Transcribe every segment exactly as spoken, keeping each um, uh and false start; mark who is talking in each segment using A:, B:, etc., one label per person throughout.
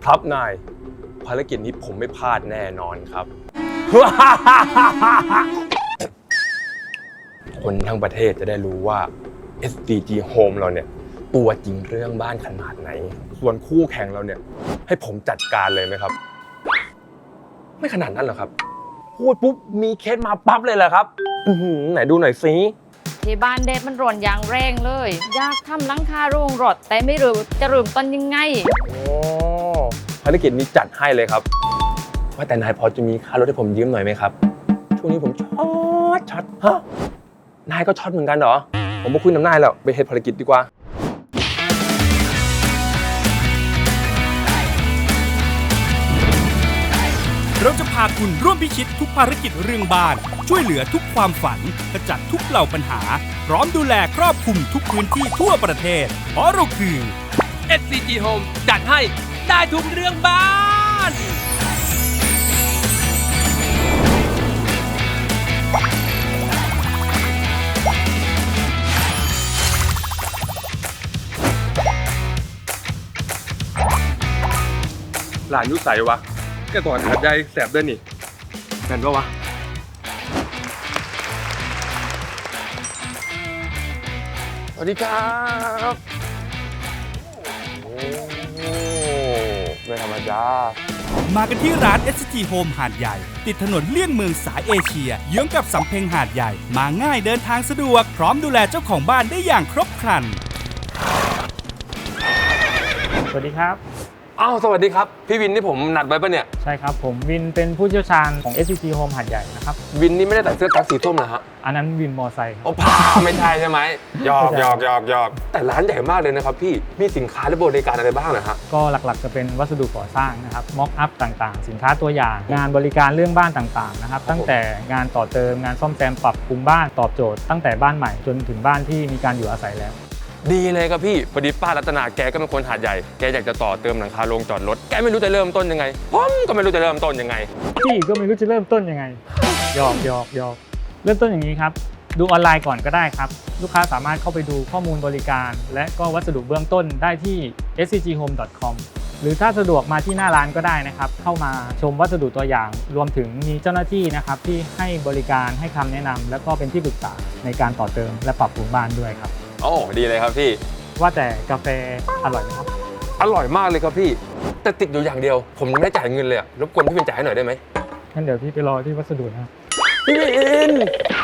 A: ครับนายภารกิจนี้ผมไม่พลาดแน่นอนครับ คนทั้งประเทศจะได้รู้ว่า เอส ดี จี Home เราเนี่ยตัวจริงเรื่องบ้านขนาดไหนส่วนคู่แข่งเราเนี่ยให้ผมจัดการเลยไหมครับไม่ขนาดนั้นหรอกครับพูดปุ๊บมีเคสมาปั๊บเลยเหรอครับอื้อหือไหนดูหน่อยสิ
B: ที่บ้านเดดมันร้อนอย่างแรงเลยอยากทำหลังคาโรงรถแต่ไม่รู้จะเริ่มต้นยังไง
A: โอ้ภารกิจนี้จัดให้เลยครับว่าแต่นายพอจะมีค่ารถให้ผมยืมหน่อยไหมครับช่วงนี้ผมช็อตช็อตฮะนายก็ช็อตเหมือนกันเหรอผมมาคุยน้ำนายแล้วไปเฮ็ดภารกิจดีกว่า
C: เราจะพาคุณร่วมพิชิตทุกภารกิจเรื่องบ้านช่วยเหลือทุกความฝันขจัดทุกเหล่าปัญหาพร้อมดูแลครอบคลุมทุกพื้นที่ทั่วประเทศเพราะเราคือ
D: เอส ซี จี Home จัดให้ได้ทุกเรื่องบ้าน
A: หลานยุใสวะแกตอนหัดใจแสบด้วยนี่แม่นปะวะสวัสดีครับโอ้ไม่ธรรมดา
C: มากันที่ร้าน เอส จี Home หาดใหญ่ติดถนนเลี่ยงเมืองสายเอเชียเยื้องกับสำเพ็งหาดใหญ่มาง่ายเดินทางสะดวกพร้อมดูแลเจ้าของบ้านได้อย่างครบครัน
E: สวัสดีครับ
A: อ้าวสวัสดีครับพี่วินที่ผมนัดไว้ปะเนี่ย
E: ใช่ครับผมวินเป็นผู้เชี่ยวชาญของ เอส ซี จี Home หาดใหญ่นะครับ
A: วินนี่ไม่ได้ใส่เสื้อกั๊กสีส้มนะฮะ
E: อันนั้นวินมอไซค์ครับ
A: โอ้พาไม่ใช่ใช่ไหมหยอกหยอกหยอกหยอกแต่ร้านใหญ่มากเลยนะครับพี่มีสินค้าและบริการอะไรบ้างนะฮะ
E: ก็หลักๆจะเป็นวัสดุก่อสร้างนะครับม็อกอัพต่างๆสินค้าตัวอย่างงานบริการเรื่องบ้านต่างๆนะครับตั้งแต่งานต่อเติมงานซ่อมแซมปรับปรุงบ้านตอบโจทย์ตั้งแต่บ้านใหม่จนถึงบ้านที่มีการอยู่อาศัยแล้ว
A: ดีเลยครับพี่พอดีป้ารัตนาแกก็เป็นคนหาดใหญ่แกอยากจะต่อเติมหลังคาโรงจอดรถแกไม่รู้จะเริ่มต้นยังไงผมก็ไม่รู้จะเริ่มต้นยังไง
E: พี่ก็ไม่รู้จะเริ่มต้นยังไงหยอกหยอกหยอกเริ่มต้นอย่างนี้ครับดูออนไลน์ก่อนก็ได้ครับลูกค้าสามารถเข้าไปดูข้อมูลบริการและก็วัสดุเบื้องต้นได้ที่ เอส ซี จี โฮม ดอท คอม หรือถ้าสะดวกมาที่หน้าร้านก็ได้นะครับเข้ามาชมวัสดุตัวอย่างรวมถึงมีเจ้าหน้าที่นะครับที่ให้บริการให้คำแนะนำและก็เป็นที่ปรึกษาในการต่อเติมและปรับปรุงบ้านด้วยครับ
A: โอ้ดีเลยครับพี่
E: ว่าแต่กาแฟอร่อยไหมครับ
A: อร่อยมากเลยครับพี่แต่ติดอยู่อย่างเดียวผมยังไม่จ่ายเงินเลยรบกวนพี่วินจ่ายให้หน่อยได้ไหม
E: งั้นเดี๋ยวพี่ไปรอที่วัสดุนะครับ
A: พี่วิน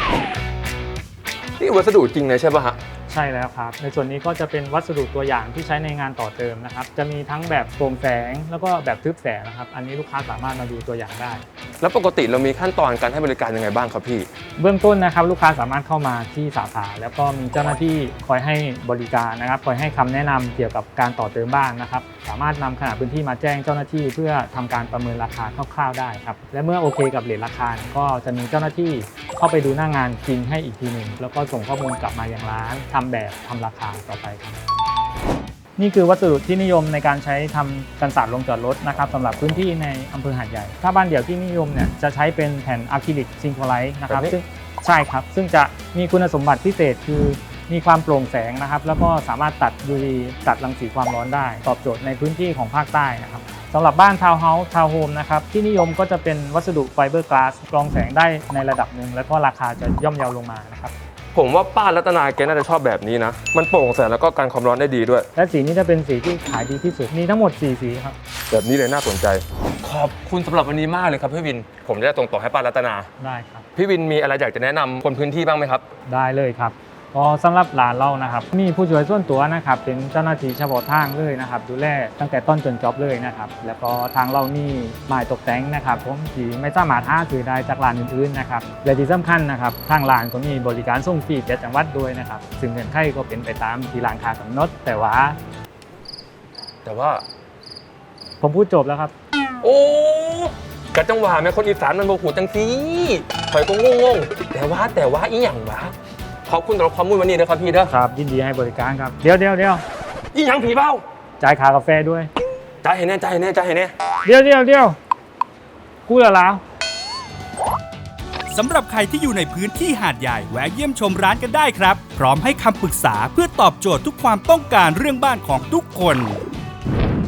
A: นี่วัสดุจริงเลยใช่ป่ะฮะ
E: ใช่แล้วครับในส่วนนี้ก็จะเป็นวัสดุตัวอย่างที่ใช้ในงานต่อเติมนะครับจะมีทั้งแบบโปร่งแสงแล้วก็แบบทึบแสงนะครับอันนี้ลูกค้าสามารถมาดูตัวอย่างได้
A: แล้วปกติเรามีขั้นตอนการให้บริการยังไงบ้างครับพี่
E: เบื้องต้นนะครับลูกค้าสามารถเข้ามาที่สาขาแล้วก็มีเจ้าหน้าที่คอยให้บริการนะครับคอยให้คำแนะนำเกี่ยวกับการต่อเติมบ้านนะครับสามารถนำขนาดพื้นที่มาแจ้งเจ้าหน้าที่เพื่อทำการประเมินราคาคร่าวๆได้ครับและเมื่อโอเคกับเรทราคาก็จะมีเจ้าหน้าที่เข้าไปดูหน้างานจริงให้อีกทีหนึ่งแล้วก็ส่งข้อมูลกลับมายังร้านทำแบบทำราคาต่อไปครับนี่คือวัสดุที่นิยมในการใช้ทำกันศาสตร์ลงจอดรถนะครับสำหรับพื้นที่ในอำเภอหาดใหญ่ถ้าบ้านเดี่ยวที่นิยมเนี่ยจะใช้เป็นแผ่นอะคริลิกซิงโครไลท์นะครับซึ่งใช่ครับซึ่งจะมีคุณสมบัติพิเศษคือมีความโปร่งแสงนะครับแล้วก็สามารถตัด ยู วี ตัดรังสีความร้อนได้ตอบโจทย์ในพื้นที่ของภาคใต้นะครับสำหรับบ้านทาวน์เฮาส์ทาวน์โฮมนะครับที่นิยมก็จะเป็นวัสดุไฟเบอร์กลาสกรองแสงได้ในระดับหนึ่งแล้วก็ราคาจะย่อมเยาลงมานะครับ
A: ผมว่าป้ารัตนาแกน่าจะชอบแบบนี้นะมันโปร่งแสงแล้วก็กันความร้อนได้ดีด้วย
E: และสีนี้จะเป็นสีที่ขายดีที่สุดมีทั้งหมดสี่สีครับ
A: แบบนี้เลยน่าสนใจขอบคุณสำหรับวันนี้มากเลยครับพี่วินผมจะส่งต่อให้ป้ารัตนา
E: ได้ครับ
A: พี่วินมีอะไรอยากจะแนะนำคนพื้นที่บ้างไหมครับ
E: ได้เลยครับก็สำหรับร้านเรานะครับมีผู้ช่วยส่วนตัวนะครับเป็นเจ้าหน้าที่เฉพาะทางเลยนะครับดูแลตั้งแต่ต้นจนจบเลยนะครับแล้วก็ทางเรานี่ไม้ตกแต่งนะครับผมที่ไม่สามารถหาซื้อได้จากร้านอื่นๆนะครับและที่สำคัญนะครับทางร้านก็มีบริการส่งฟรีเจ็ดจังหวัดด้วยนะครับซึ่งเงื่อนไขก็เป็นไปตามที่ร้านค้ากำหนดแต่ว่า
A: แต่ว่า
E: ผมพูดจบแล้วครับ
A: โอ้กะจังหวะแม่คนอีสานมันโมโหจังสิข่อยก็งงๆแต่ว่าแต่ว่าอีหยังวะขอบคุณสำหรับข้อมูลวันนี้นะครับพี่เด้อ
E: ครับยินดีให้บริการครับเดี๋ยวเดี๋ยวเดี๋ยว
A: อีหยังผีเบ้า
E: จ่ายค่ากาแฟด้วย
A: จ่ายให้แน่จ่ายให้แน่จ่ายให้แน่
E: เดี๋ยวเดี๋ยวเดี๋ยวกูละแล้ว
C: สำหรับใครที่อยู่ในพื้นที่หาดใหญ่แวะเยี่ยมชมร้านกันได้ครับพร้อมให้คำปรึกษาเพื่อตอบโจทย์ทุกความต้องการเรื่องบ้านของทุกคน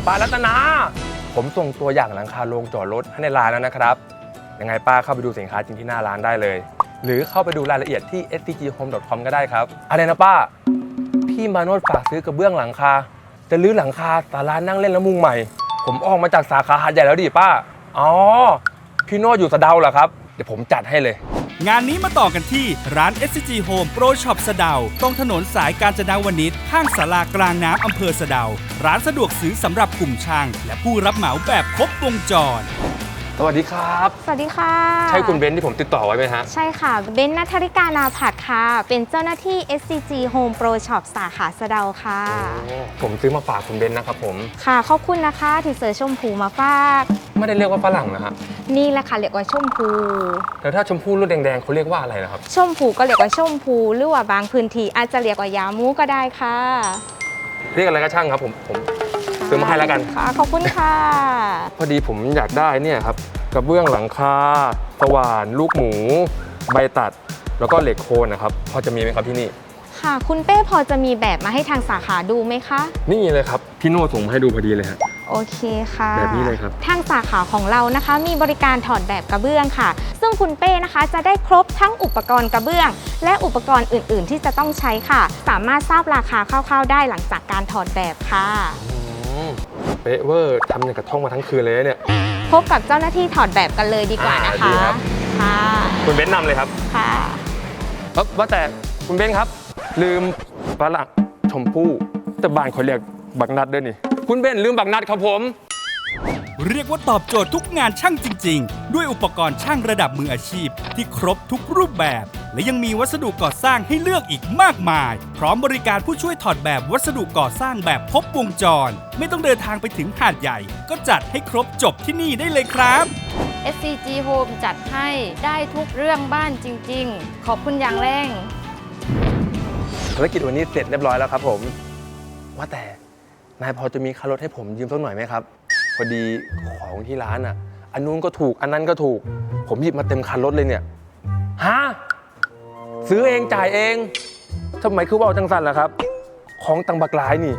A: ป้ารัตนา ผมส่งตัวอย่างหลังคาโรงจอดรถให้ในร้านแล้วนะครับ ยังไงป้าเข้าไปดูสินค้าจริงที่หน้าร้านได้เลย หรือเข้าไปดูรายละเอียดที่ เอส ที จี โฮม ดอท คอม ก็ได้ครับ อะไรนะป้า พี่มาโนดฝากซื้อกระเบื้องหลังคา จะรื้อหลังคาศาลานั่งเล่นแล้วมุงใหม่ ผมออกมาจากสาขาหาดใหญ่แล้วดิป้า อ๋อ พี่โนดอยู่สะเดาเหรอครับ เดี๋ยวผมจัดให้เลย
C: งานนี้มาต่อกันที่ร้าน เอส ซี จี Home Pro Shop สะเดาตรงถนนสายกาญจนวนิชข้างศาลากลางน้ำอำเภอสะเดา ร้านสะดวกซื้อสำหรับกลุ่มช่างและผู้รับเหมาแบบครบวงจร
A: สวัสดีครับ
F: สวัสดีค่ะ
A: ใช่คุณเบนซ์ที่ผมติดต่อไว้ไหมฮะ
F: ใช่ค่ะ เบนซ์ณัฐริกานาผัดค่ะ เป็นเจ้าหน้าที่ เอส ซี จี Home Pro Shop สาขาสะเดาค่ะ
A: ผมซื้อมาฝากคุณเบนซ์นะครับผม
F: ค่ะ ขอบคุณนะคะที่เสือชมพูมาฝาก
A: ไม่ได้เรียกว่าฝรั่งนะฮะ
F: นี่แหละค่ะเรียกว่าชมพู
A: แล้วถ้าชมพู่ลูกแดงๆเขาเรียกว่าอะไรนะครับ
F: ชมพูก็เรียกว่าชมพู หรือว่าบางพื้นที่อาจจะเรียกว่ายามูก็ได้ค่ะ
A: เรียกอะไรก็ช่างครับผมผมซื้อมาให้แล้วกัน
F: ค่ะ ขอบคุณค่ะ
A: พอดีผมอยากได้เนี่ยครับกระเบื้องหลังคาสว่านลูกหมู ใบตัด แล้วก็เหล็กโคนนะครับพอจะมีไหมครับที่นี่
F: ค่ะ คุณเป้พอจะมีแบบมาให้ทางสาขาดูไหมคะ
A: นี่เลยครับพี่โน่ส่งมาให้ดูพอดีเลยฮะ
F: โอเคค่ะ
A: แบบนี้เลยครับ
F: ทางสาขาของเรานะคะ มีบริการถอดแบบกระเบื้องค่ะ ซึ่งคุณเป้นะคะจะได้ครบทั้งอุปกรณ์กระเบื้อง และอุปกรณ์อื่น ๆ ที่จะต้องใช้ค่ะ สามารถทราบราคาคร่าวๆได้หลังจากการถอดแบบค่ะ
A: อืมเป๊ะเวอร์ทำอย่างกระท่องมาทั้งคืนเลยเนี่ย
F: พบกับเจ้าหน้าที่ถอดแบบกันเลยดีกว่านะ
A: อ่าดี
F: คะ
A: ครับ
F: ค่ะ
A: คุณเบนซ์นำเลยครับ
F: ค่ะ
A: เอ้อว่าแต่คุณเบนซ์ครับ ลืมฝรั่งชมพู่แต่บ้านเขาเรียกบักนัดด้วยนี่คุณเบนซ์ลืมบักนัดครับผม
C: เรียกว่าตอบโจทย์ทุกงานช่างจริง ๆ ด้วยอุปกรณ์ช่างระดับมืออาชีพ ที่ครบทุกรูปแบบ และยังมีวัสดุก่อสร้างให้เลือกอีกมากมาย พร้อมบริการผู้ช่วยถอดแบบวัสดุก่อสร้างแบบครบวงจร ไม่ต้องเดินทางไปถึงหาดใหญ่ ก็จัดให้ครบจบที่นี่ได้เลยครับ
B: เอส ซี จี Home จัดให้ได้ทุกเรื่องบ้านจริง ๆ ขอบคุณอย่างแรง
A: ภารกิจวันนี้เสร็จเรียบร้อยแล้วครับผม ว่าแต่นายพอจะมีค่ารถให้ผมยืมสักหน่อยไหมครับ พอดีของที่ร้านอ่ะ อันนู้นก็ถูกอันนั้นก็ถูก ผมหยิบมาเต็มคันรถเลยเนี่ยฮะซื้อเองจ่ายเองทำไมคือว่าจังสันล่ะครับ ของตังบักหลายนี่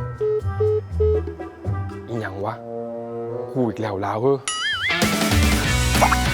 A: อีหยังวะกูอีกแล้วลาวเฮ้อ